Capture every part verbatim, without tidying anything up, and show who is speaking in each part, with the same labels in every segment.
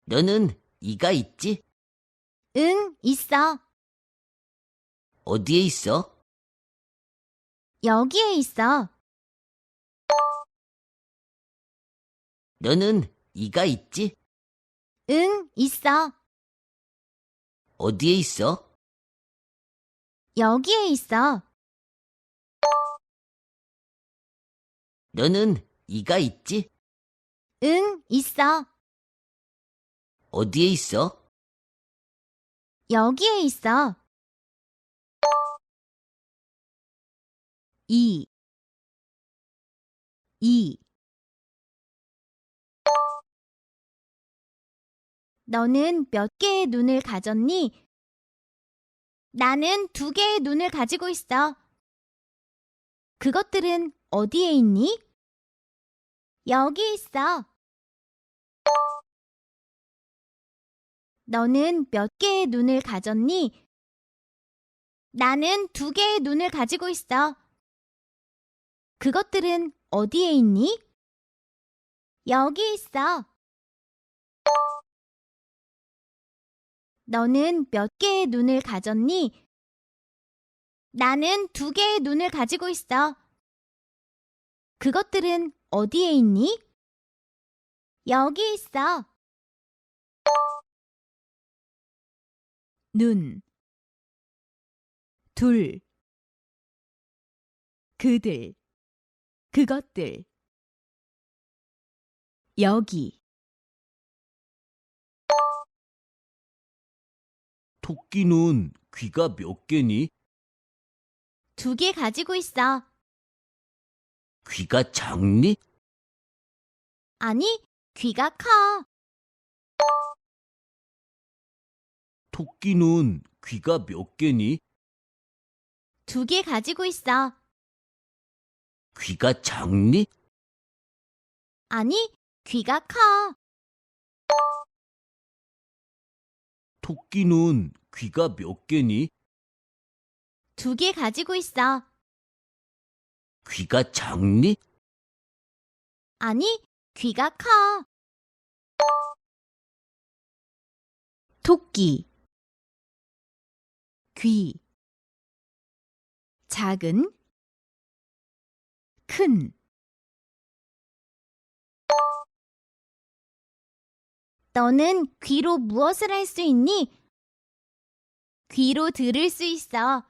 Speaker 1: 너는 이가 있지?
Speaker 2: 응, 있어.
Speaker 1: 어디에 있어?
Speaker 2: 여기에 있어.
Speaker 1: 너는 이가 있지?
Speaker 2: 응, 있어.
Speaker 1: 어디에 있어?
Speaker 2: 여기에 있어.
Speaker 1: 너는 이가 있지?
Speaker 2: 응, 있어.
Speaker 1: 어디에 있어?
Speaker 2: 여기에 있어. 이, 이. 너는 몇 개의 눈을 가졌니? 나는 두 개의 눈을 가지고 있어. 그것들은 어디에 있니? 여기 있어. 너는 몇 개의 눈을 가졌니? 나는 두 개의 눈을 가지고 있어. 그것들은 어디에 있니? 여기 있어. 너는 몇 개의 눈을 가졌니? 나는 두 개의 눈을 가지고 있어. 그것들은 어디에 있니? 여기 있어. 눈, 둘, 그들, 그것들. 여기,
Speaker 1: 토끼는 귀가 몇 개니?
Speaker 2: 두 개 가지고 있어.
Speaker 1: 귀가 작니?
Speaker 2: 아니, 귀가 커.
Speaker 1: 토끼는 귀가 몇 개니?
Speaker 2: 두 개 가지고 있어.
Speaker 1: 귀가 작니?
Speaker 2: 아니, 귀가 커.
Speaker 1: 토끼는 귀가 몇 개니?
Speaker 2: 두 개 가지고 있어.
Speaker 1: 귀가 작니?
Speaker 2: 아니, 귀가 커. 토끼, 귀, 작은, 큰. 너는 귀로 무엇을 할 수 있니? 귀로 들을 수 있어.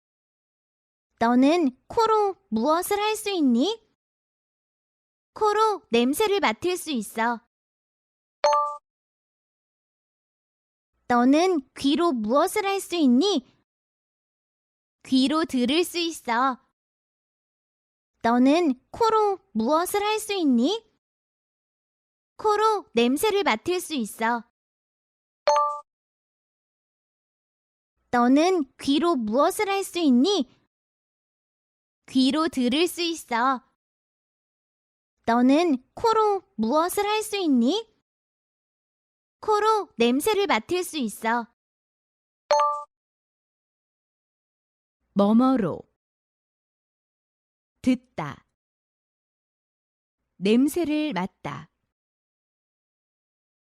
Speaker 2: 너는 코로 무엇을 할 수 있니? 코로 냄새를 맡을 수 있어. 너는 귀로 무엇을 할 수 있니? 귀로 들을 수 있어. 너는 코로 무엇을 할 수 있니? 코로 냄새를 맡을 수 있어. 너는 귀로 무엇을 할 수 있니? 귀로 들을 수 있어. 너는 코로 무엇을 할 수 있니? 코로 냄새를 맡을 수 있어. 뭐뭐로 듣다 냄새를 맡다